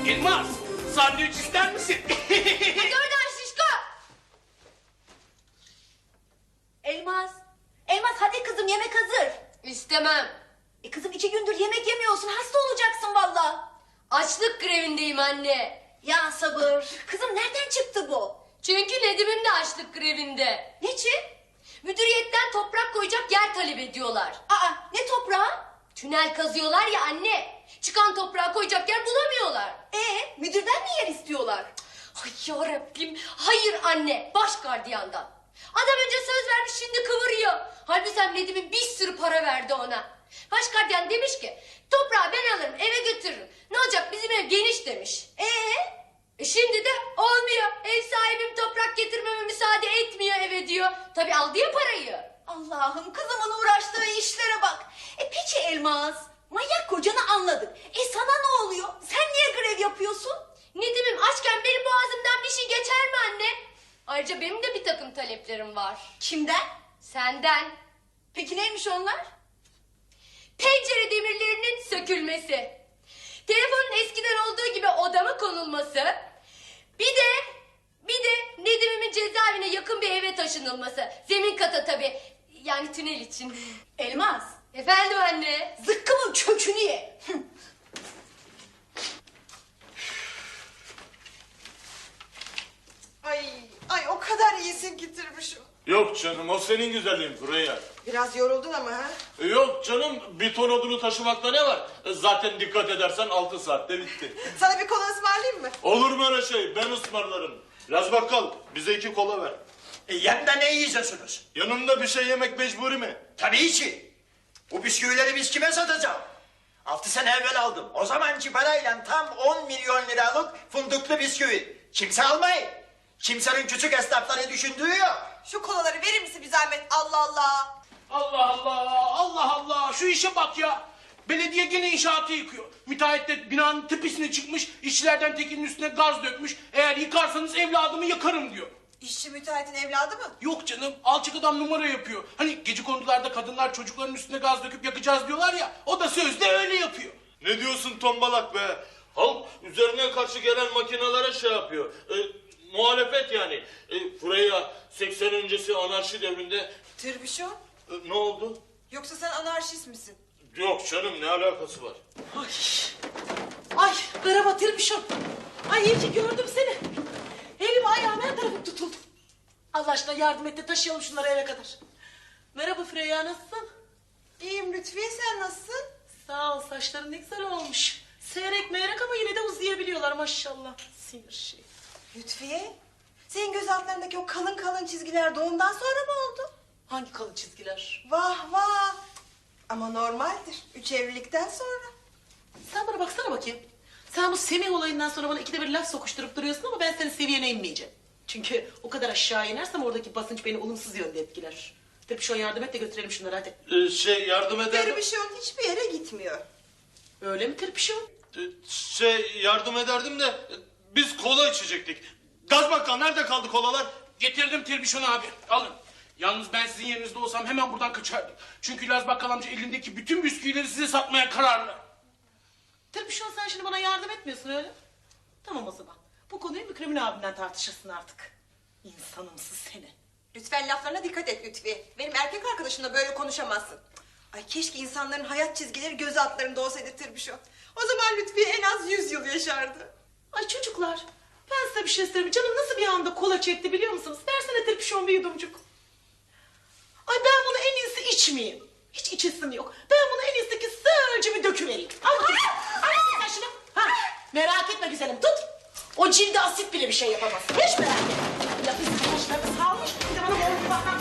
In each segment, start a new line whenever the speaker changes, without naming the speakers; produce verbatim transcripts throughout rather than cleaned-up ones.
Elmas, sandviç ister misin?
Hadi oradan şişko. Elmas. Elmas hadi kızım yemek hazır.
İstemem.
E kızım iki gündür yemek yemiyorsun. Hasta olacaksın valla.
Açlık grevindeyim anne.
Ya sabır. Kızım nereden çıktı bu?
Çünkü Nedim'im de açlık grevinde.
Niçin?
Müdüriyetten toprak koyacak yer talep ediyorlar.
Aa ne toprağı?
Tünel kazıyorlar ya anne. Çıkan toprağa koyacak yer bulamıyorlar.
Ee müdürden mi yer istiyorlar?
Ay yarabbim. Hayır anne. Baş gardiyandan. Adam önce söz vermiş şimdi kıvırıyor. Halbuki sen Nedim'in bir sürü para verdi ona. Baş gardiyan demiş ki toprağı ben alırım eve götürürüm. Ne olacak bizim ev geniş demiş.
Ee?
E şimdi de olmuyor. Ev sahibim toprak getirmeme müsaade etmiyor eve diyor. Tabii aldı ya parayı.
Allah'ım kızımın uğraştığı işlere bak. E peki Elmas. Manyak kocanı anladık. E sana ne oluyor? Sen niye grev yapıyorsun?
Nedim'im açken benim boğazımdan bir şey geçer mi anne? Ayrıca benim de bir takım taleplerim var.
Kimden?
Senden.
Peki neymiş onlar?
Pencere demirlerinin sökülmesi. Telefonun eskiden olduğu gibi odama konulması. Bir de bir de Nedim'imin cezaevine yakın bir eve taşınılması. Zemin kata tabii. Yani tünel için.
Elmas.
Efendim anne.
Zıkkımın kökünü ye.
Ay, ay o kadar iyisin ki Tırbışım.
Yok canım, o senin güzelliğin Furya.
Biraz yoruldun ama ha?
E yok canım, bir ton odunu taşımakta ne var? E zaten dikkat edersen altı saatte bitti.
Sana bir kola ısmarlayayım mı?
Olur mu öyle şey? Ben ısmarlarım. Laz bakkal, bize iki kola ver.
E, yanında ne yiyeceksiniz?
Yanında bir şey yemek mecburi mi?
Tabii ki. Bu bisküvileri biz kime satacağım? Altı sene evvel aldım. O zamanki parayla tam on milyon liralık fındıklı bisküvi. Kimse almayın. Kimsenin küçük esnafları düşündüğü yok.
Şu kolaları verir misin bir zahmet? Allah Allah.
Allah Allah, Allah Allah. Şu işe bak ya. Belediye gene inşaatı yıkıyor. Müteahhit de binanın tepesine çıkmış, işçilerden tekinin üstüne gaz dökmüş. Eğer yıkarsanız evladımı yakarım diyor.
İşçi müteahhitin evladı mı?
Yok canım, alçak adam numara yapıyor. Hani gecekondularda kadınlar çocukların üstüne gaz döküp yakacağız diyorlar ya. O da sözde öyle yapıyor.
Ne diyorsun tombalak be? Halk üzerine karşı gelen makinelere şey yapıyor. E, muhalefet yani. E, Furya seksen öncesi anarşi devrinde...
Tırbışım.
E, ne oldu?
Yoksa sen anarşist misin?
Yok canım, ne alakası var?
Ay, ay merhaba Tırbışım. Ay iyi ki gördüm seni. Elim ayağım her tarafım tutuldu. Allah aşkına yardım et de taşıyalım şunları eve kadar. Merhaba Freya, nasılsın?
İyiyim Lütfiye, sen nasılsın?
Sağ ol, saçların ne güzel olmuş. Seyrek meyrek ama yine de uzayabiliyorlar maşallah. Sinir şey.
Lütfiye, senin göz altlarındaki o kalın kalın çizgiler doğumdan sonra mı oldu?
Hangi kalın çizgiler?
Vah vah. Ama normaldir. Üç evlilikten sonra.
Sen bana baksana bakayım. Sen bu Semih olayından sonra bana ikide bir laf sokuşturup duruyorsun ama ben senin seviyene inmeyeceğim. Çünkü o kadar aşağı inersem oradaki basınç beni olumsuz yönde etkiler. Tabii şu an yardım et de götürelim şunları hadi.
E, şey yardım eder...
Tırbışım hiçbir yere gitmiyor.
Öyle mi Tirpişim?
E, şey yardım ederdim de e, biz kola içecektik. Gaz bakkal, nerede kaldı kolalar?
Getirdim Tirbişon abi, alın. Yalnız ben sizin yerinizde olsam hemen buradan kaçardım. Çünkü Laz Bakkal amca elindeki bütün bisküvileri size satmaya kararlı.
Tirpişim sen şimdi bana yardım etmiyorsun öyle. Tamam o zaman. Bu konuyu Mükremin abimden tartışırsın artık. İnsanımsın seni.
Lütfen laflarına dikkat et Lütfiye. Benim erkek arkadaşımla böyle konuşamazsın. Ay keşke insanların hayat çizgileri göz altlarında olsaydı Tırbışım. O zaman Lütfiye en az yüz yıl yaşardı.
Ay çocuklar, ben size bir şey söyleyeyim. Canım nasıl bir anda kola çekti biliyor musunuz? Versene Tirpişim bir yudumcuk. Ay ben bunu en iyisi içmeyeyim. Hiç içesim yok. Ben bunu en iyisi ki sığırcı bir döküvereyim. Al bakayım. Al bakayım şunu. Ha, merak etme güzelim tut. O cilde asit bile bir şey yapamaz. Hiç merak etme. Ya bizim saçlarını salmış. Bir de bana böyle bakar.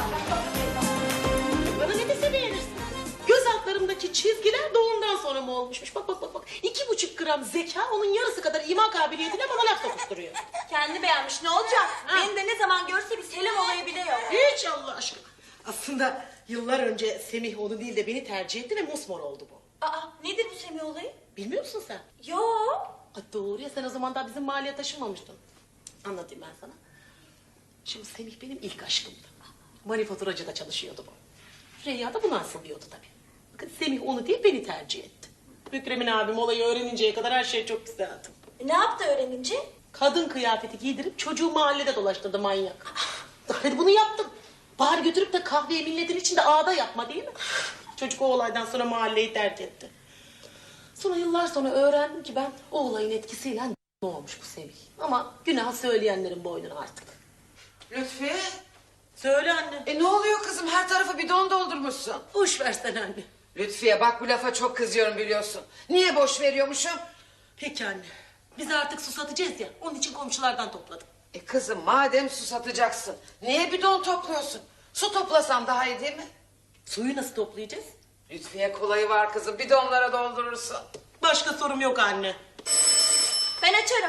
Bana ne dese beğenirsin. Göz altlarımdaki çizgiler doğumdan sonra mı olmuşmuş? Bak bak bak bak. İki buçuk gram zeka onun yarısı kadar ima kabiliyetine bana laf sokuşturuyor.
Kendi beğenmiş ne olacak?
Ha.
Beni de ne zaman görse bir selam olayı bile yok.
Hiç Allah aşkına. Aslında yıllar önce Semih onu değil de beni tercih etti ve mosmor oldu bu.
Aa nedir bu Semih olayı?
Bilmiyor musun sen?
Yok.
Ay doğru ya, sen o zaman daha bizim mahalleye taşınmamıştın. Anlatayım ben sana. Şimdi Semih benim ilk aşkımdı. Manifaturacıda çalışıyordu bu. Reyya da buna asılıyordu tabii. Bakın Semih onu değil beni tercih etti. Mükremin abim olayı öğreninceye kadar her şey çok güzeldi.
E, ne yaptı öğrenince?
Kadın kıyafeti giydirip çocuğu mahallede dolaştırdı manyak. Hadi bunu yaptım. Bari götürüp de kahveye milletin içinde ağda yapma değil mi? Çocuk o olaydan sonra mahalleyi terk etti. Sonra yıllar sonra öğrendim ki ben o olayın etkisiyle ne olmuş bu Sevil. Ama günah söyleyenlerin boynuna artık.
Lütfiye,
Söyle anne.
e ne oluyor kızım? Her tarafı bidon doldurmuşsun.
Boş versen anne.
Lütfiye bak bu lafa çok kızıyorum biliyorsun. Niye boş veriyormuşum?
Peki anne. Biz artık susatacağız ya. Onun için komşulardan topladım.
E kızım madem su satacaksın, niye bidon topluyorsun? Su toplasan daha iyi değil mi?
Suyu nasıl toplayacağız?
Lütfiye kolayı var kızım, bidonlara doldurursun.
Başka sorum yok anne.
Ben açarım.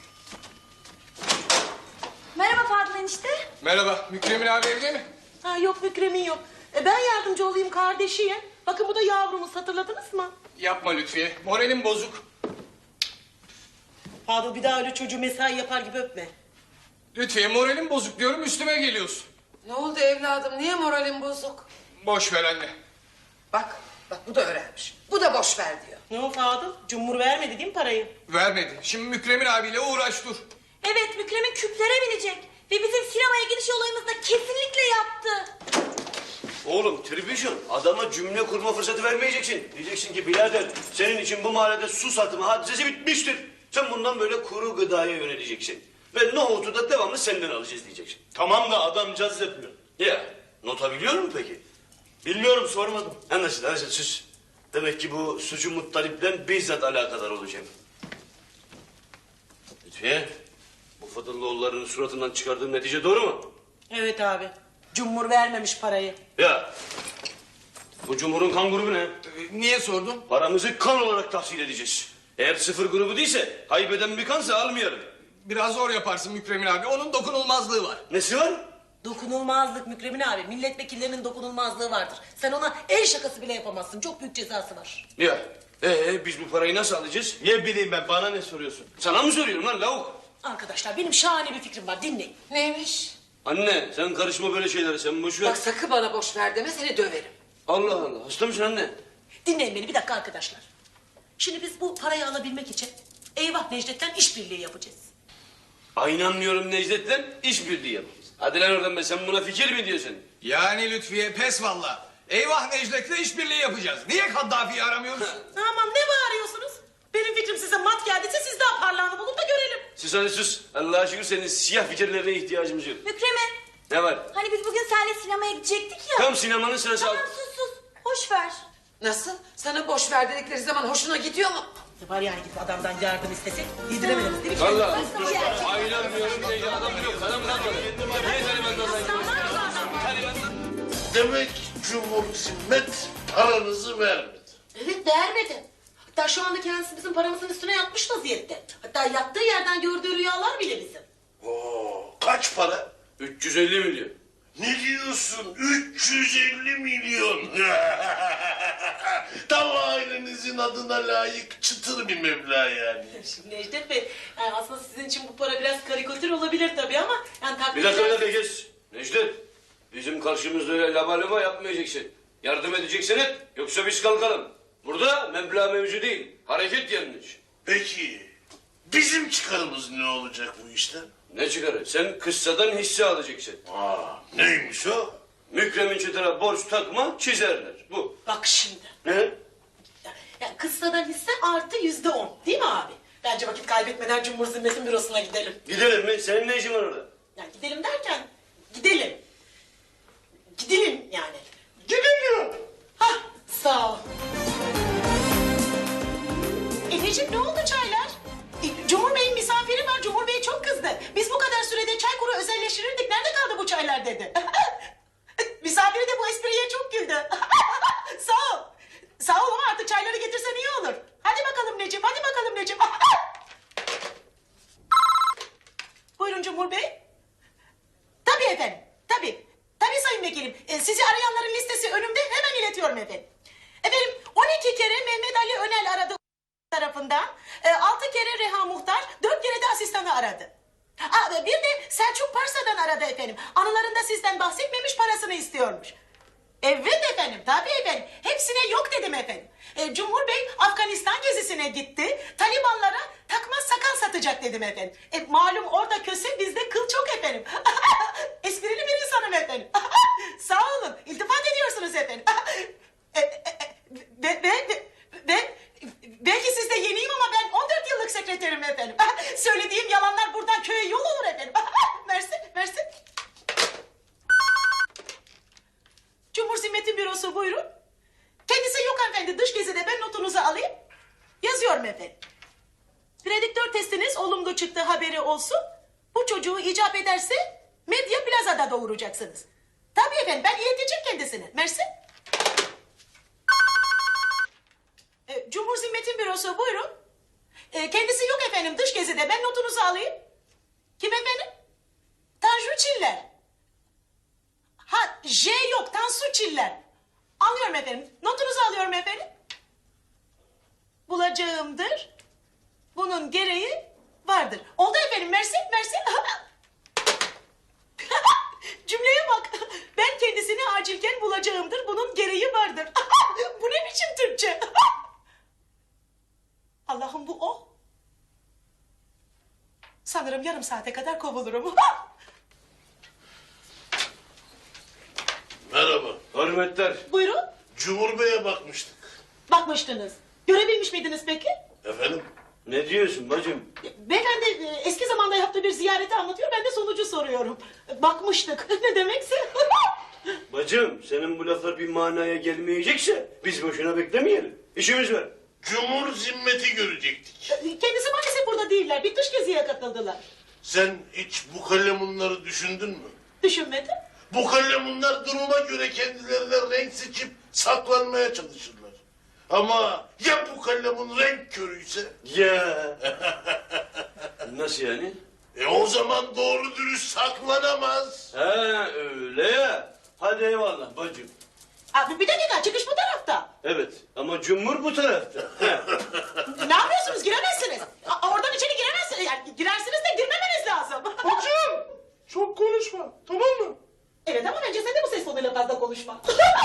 Merhaba Fadıl enişte.
Merhaba, Mükremin abi evde mi?
Ha yok Mükremin yok. E, ben yardımcı olayım kardeşiye. Bakın bu da yavrumuz, hatırladınız mı?
Yapma Lütfiye, moralim bozuk.
Fadıl bir daha öyle çocuğu mesai yapar gibi öpme.
Lütfiye moralim bozuk diyorum, üstüme geliyorsun.
Ne oldu evladım, niye moralin bozuk?
Boş ver anne.
Bak, bak bu da öğrenmiş. Bu da boş ver diyor.
Ne o Fadıl? Cumhur vermedi değil mi parayı?
Vermedi. Şimdi Mükremin abiyle uğraş dur.
Evet Mükremin küplere binecek. Ve bizim sinemaya gidiş olayımızda kesinlikle yaptı.
Oğlum tribüşon adama cümle kurma fırsatı vermeyeceksin. Diyeceksin ki birader senin için bu mahallede su satımı hadisesi bitmiştir. Sen bundan böyle kuru gıdaya yöneleceksin. Ve nohutu da devamlı senden alacağız diyeceksin.
Tamam da adam caz yapıyor.
Ya nota biliyor musun peki?
Bilmiyorum, sormadım.
Anlaşıldı anlaşıldı sus. Demek ki bu sucu Muttalip'le bizzat alakadar olacağım. Lütfiye bu Fadıllıoğullarının suratından çıkardığım netice doğru mu?
Evet abi. Cumhur vermemiş parayı.
Ya bu Cumhur'un kan grubu ne?
Ee, niye sordun?
Paramızı kan olarak tahsil edeceğiz. Eğer sıfır grubu değilse haybeden bir kansa almayalım.
Biraz zor yaparsın Mükremin abi, onun dokunulmazlığı var.
Nesi var?
Dokunulmazlık Mükremin abi. Milletvekillerinin dokunulmazlığı vardır. Sen ona el şakası bile yapamazsın. Çok büyük cezası var.
Ya ee, biz bu parayı nasıl alacağız?
Ne bileyim ben, bana ne soruyorsun?
Sana mı soruyorum lan lavuk?
Arkadaşlar benim şahane bir fikrim var. Dinleyin.
Neymiş?
Anne sen karışma böyle şeylere, sen boş ver.
Bak sakın bana boş ver deme, seni döverim.
Allah Allah, hasta mısın anne?
Dinleyin beni bir dakika arkadaşlar. Şimdi biz bu parayı alabilmek için Eyvah Necdet'ten işbirliği yapacağız.
Ay inanmıyorum Necdet'le işbirliği yapacağız. Hadi lan oradan be, sen buna fikir mi diyorsun?
Yani Lütfiye pes valla. Eyvah Necdet'le işbirliği yapacağız. Niye Kaddafi'yi aramıyoruz?
Tamam ne bağırıyorsunuz? Benim fikrim size mat geldiyse siz daha parlağını bulun da görelim.
Sus hadi sus. Allah'a şükür senin siyah fikirlerine ihtiyacımız yok.
Mükremin.
Ne var?
Hani biz bugün seninle sinemaya gidecektik ya.
Tam sinemanın sırası.
Tamam sus sus. Hoş ver.
Nasıl? Sana boş ver dedikleri zaman hoşuna gidiyor mu?
Ne var yani gidip adamdan yardım istesek yediremediniz değil mi?
Valla. Ay inanmıyorum Necdet, adam yok. Adam kalmadı.
Demek Cumhur Zimmet paranızı vermedi.
Evet vermedi. Hatta şu anda kendisi bizim paramızın üstüne yatmış vaziyette. Hatta yattığı yerden gördüğü rüyalar bile bizim.
Oo, kaç para?
üç yüz elli milyon.
Ne diyorsun? üç yüz elli milyon. Tam ailenizin adına layık çıtır bir meblağ yani.
Şimdi Necdet Bey yani aslında sizin için bu para biraz karikatür olabilir tabii ama yani takdir
Bir dakika bir
ederseniz-
dakika geç. Necdet, bizim karşımızda öyle laba laba yapmayacaksın. Yardım edeceksin et, yoksa biz kalkalım. Burada meblağ mevzu değil, hareket yanlış.
Peki bizim çıkarımız ne olacak bu işten?
Ne çıkarır? Sen kıssadan hisse alacaksın.
Aa, neymiş o?
Mükremin çıtıra borç takma, çizerler. Bu.
Bak şimdi.
Ne?
Yani kıssadan hisse artı yüzde on değil mi abi? Bence vakit kaybetmeden Cumhur Zimmet'in bürosuna gidelim.
Gidelim mi? Senin ne işin var orada?
Yani gidelim derken gidelim. Gidelim yani. Gidelim. Hah sağ ol. Efeciğim ne oldu çaylar? E, Cumhur Bey'in misafiri var. Cumhur Bey çok kızdı. Biz bu kadar sürede çay kuru özelleştirirdik. Nerede kaldı bu çaylar dedi. Misafiri de bu espriye çok güldü. Sağ ol. Sağ ol ama artık çayları getirsen iyi olur. Hadi bakalım Necip, hadi bakalım Necip. Buyurun Cumhur Bey. Tabii efendim, tabii. Tabii sayın vekilim. Ee, sizi arayanların listesi önümde, hemen iletiyorum efendim. Efendim, on iki kere Mehmet Ali Önel aradı tarafından. E, altı kere Reha Muhtar, dört kere de asistanı aradı. Aa, bir de Selçuk Parsa'dan aradı efendim. Anılarında sizden bahsetmemiş, parasını istiyormuş. Evet efendim, tabii efendim. Hepsine yok dedim efendim. E, Cumhur Bey Afganistan gezisine gitti. Talibanlara takma sakal satacak dedim efendim. E, malum orada köse bizde kıl çok efendim. Esprili bir insanım efendim. Sağ olun. İltifat ediyorsunuz efendim. e, e, ve, ve, ve, ve belki siz de yeniyim ama ben on dört yıllık sekreterim efendim. Söylediğim yalanlar buradan köye yol olur efendim. Mersi, mersi. Cumhur Zimmet'in bürosu buyurun. Kendisi yok hanımefendi. Dış gezide ben notunuzu alayım. Yazıyorum efendim. Prediktör testiniz olumlu çıktı haberi olsun. Bu çocuğu icap ederse Medya Plaza'da doğuracaksınız. Tabii efendim ben ileteceğim kendisine. Mersi. E, Cumhur Zimmet'in bürosu buyurun. E, kendisi yok efendim dış gezide ben notunuzu alayım. Kim efendim? Tanju Çiller. Ha J yok Tansu Çiller. Alıyorum efendim. Notunuzu alıyorum efendim. Bulacağımdır. Bunun gereği vardır. Oldu efendim. Mersi, mersi. Cümleye bak. Ben kendisini acilken bulacağımdır. Bunun gereği vardır. Bu ne biçim Türkçe? Allah'ım bu o. Sanırım yarım saate kadar kovulurum.
Merhaba.
Hürmetler.
Buyurun.
Cumhur Bey'e bakmıştık.
Bakmıştınız. Görebilmiş miydiniz peki?
Efendim?
Ne diyorsun bacım?
Beyefendi e, eski zamanda yaptığı bir ziyareti anlatıyor. Ben de sonucu soruyorum. Bakmıştık. Ne demekse?
Bacım senin bu laflar bir manaya gelmeyecekse biz boşuna beklemeyelim. İşimiz var.
Cumhur Zimmet'i görecektik.
Kendisi maalesef burada değiller. Bir dış geziye katıldılar.
Sen hiç bu kalemunları düşündün mü?
Düşünmedim.
Bu kalemunlar duruma göre kendilerine renk seçip saklanmaya çalışırlar. Ama ya bu kalemun renk körüyse?
Ya. Nasıl yani?
E o zaman doğru dürüst saklanamaz.
Ha öyle ya. Hadi eyvallah bacım.
Abi bir dakika çıkış bu tarafta.
Evet ama cumhur bu tarafta.
Ne yapıyorsunuz? Giremezsiniz. A- oradan içeri giremezsiniz. Yani girersiniz de girmemeniz lazım.
Hocam çok konuşma tamam mı?
Evet ama bence sen de bu ses tonuyla fazla konuşma.